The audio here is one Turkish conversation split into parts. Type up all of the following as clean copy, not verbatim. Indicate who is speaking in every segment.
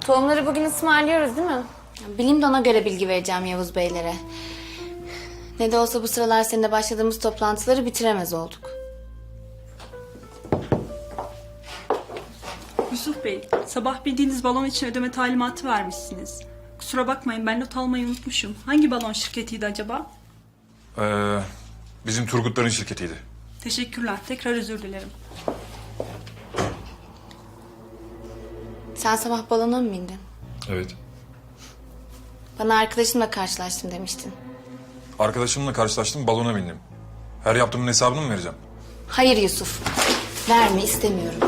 Speaker 1: Tohumları bugün ısmarlıyoruz değil mi? Bileyim de ona göre bilgi vereceğim Yavuz Beylere. Ne de olsa bu sıralar seninle başladığımız toplantıları bitiremez olduk.
Speaker 2: Yusuf Bey, sabah bildiğiniz balon için ödeme talimatı vermişsiniz. Kusura bakmayın, ben not almayı unutmuşum. Hangi balon şirketiydi acaba?
Speaker 3: Bizim Turgutların şirketiydi.
Speaker 2: Teşekkürler, tekrar özür dilerim.
Speaker 1: Sen sabah balona mı bindin?
Speaker 3: Evet.
Speaker 1: Bana arkadaşımla karşılaştım demiştin.
Speaker 3: Arkadaşımla karşılaştım, balona bindim. Her yaptığımın hesabını mı vereceğim?
Speaker 1: Hayır Yusuf. Verme istemiyorum.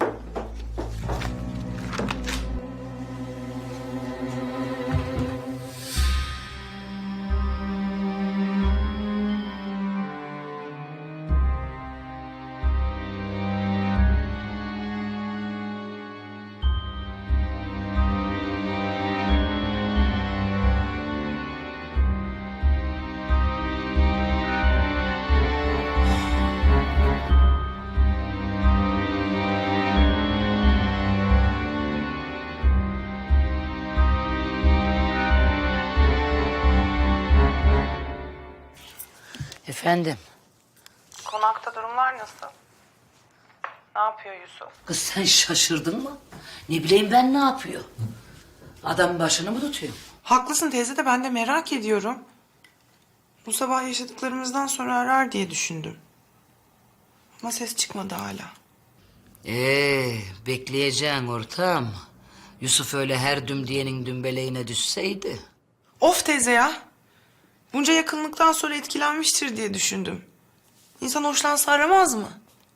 Speaker 4: Efendim,
Speaker 5: Konakta durumlar nasıl? Ne yapıyor Yusuf?
Speaker 4: kız sen şaşırdın mı? Ne bileyim ben ne yapıyor? Adam başını mı tutuyor?
Speaker 5: Haklısın teyze de ben de merak ediyorum. Bu sabah yaşadıklarımızdan sonra arar diye düşündüm. Ama ses çıkmadı hala.
Speaker 4: Bekleyeceksin ortam. Yusuf öyle her dümdiyenin dümbeleğine düşseydi.
Speaker 5: Of teyze ya. Bunca yakınlıktan sonra etkilenmiştir diye düşündüm. İnsan hoşlansa aramaz mı?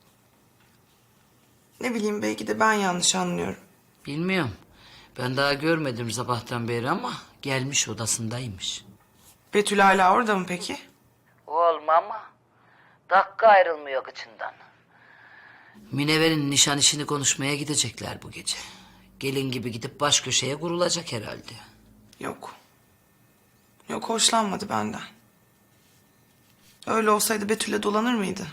Speaker 5: Ne bileyim belki de ben yanlış anlıyorum.
Speaker 4: Bilmiyorum. Ben daha görmedim sabahtan beri ama gelmiş odasındaymış.
Speaker 5: Betül hala orada mı peki?
Speaker 4: Olma ama dakika ayrılmıyor kıçından. Minever'in nişan işini konuşmaya gidecekler bu gece. Gelin gibi gidip baş köşeye kurulacak herhalde.
Speaker 5: Yok. Yok hoşlanmadı benden. Öyle olsaydı Betül'le dolanır mıydı?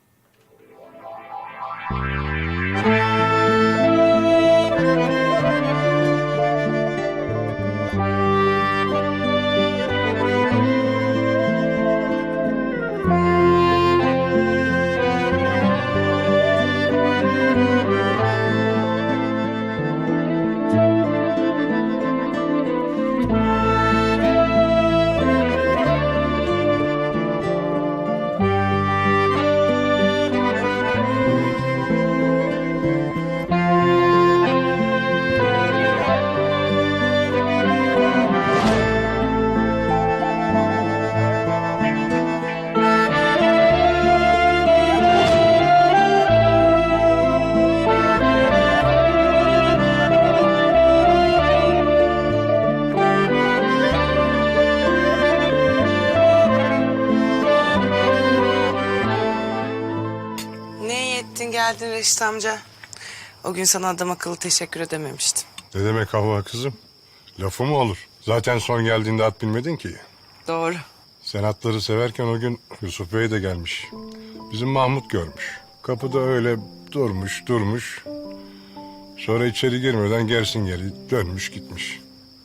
Speaker 5: Ne iyi ettin geldin Reşit amca. O gün sana adam akıllı teşekkür edememiştim.
Speaker 6: Ne demek Havva kızım? Lafı mı olur? Zaten son geldiğinde at bilmedin ki.
Speaker 5: Doğru.
Speaker 6: Sen atları severken o gün Yusuf Bey de gelmiş. Bizim Mahmut görmüş. Kapıda öyle durmuş. Sonra içeri girmeden gersin geri dönmüş gitmiş.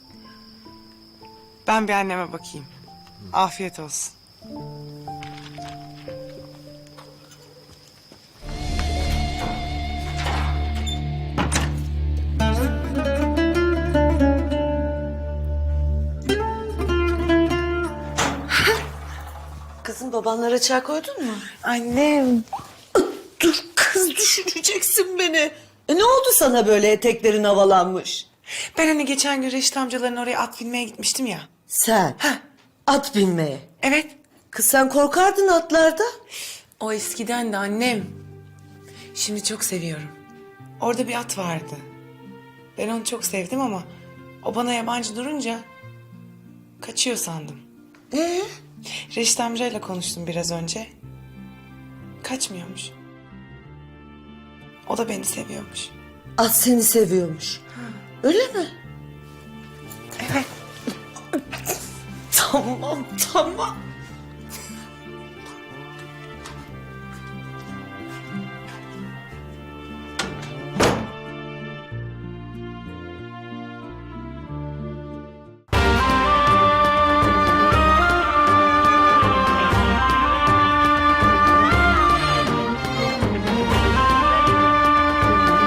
Speaker 5: Ben bir anneme bakayım. Afiyet olsun.
Speaker 7: Kızım babanlara çay koydun mu?
Speaker 5: Annem.
Speaker 7: Dur kız düşüreceksin beni. Ne oldu sana böyle eteklerin havalanmış?
Speaker 5: Ben hani geçen gün Reşit amcaların oraya at binmeye gitmiştim ya.
Speaker 7: Sen at binmeye.
Speaker 5: Evet.
Speaker 7: Kız sen korkardın atlarda.
Speaker 5: O eskiden de annem. Şimdi çok seviyorum. Orada bir at vardı. Ben onu çok sevdim ama o bana yabancı durunca kaçıyor sandım. Reşit amcayla konuştum biraz önce. Kaçmıyormuş. O da beni seviyormuş.
Speaker 7: At seni seviyormuş. Öyle mi?
Speaker 5: Evet.
Speaker 7: Tamam.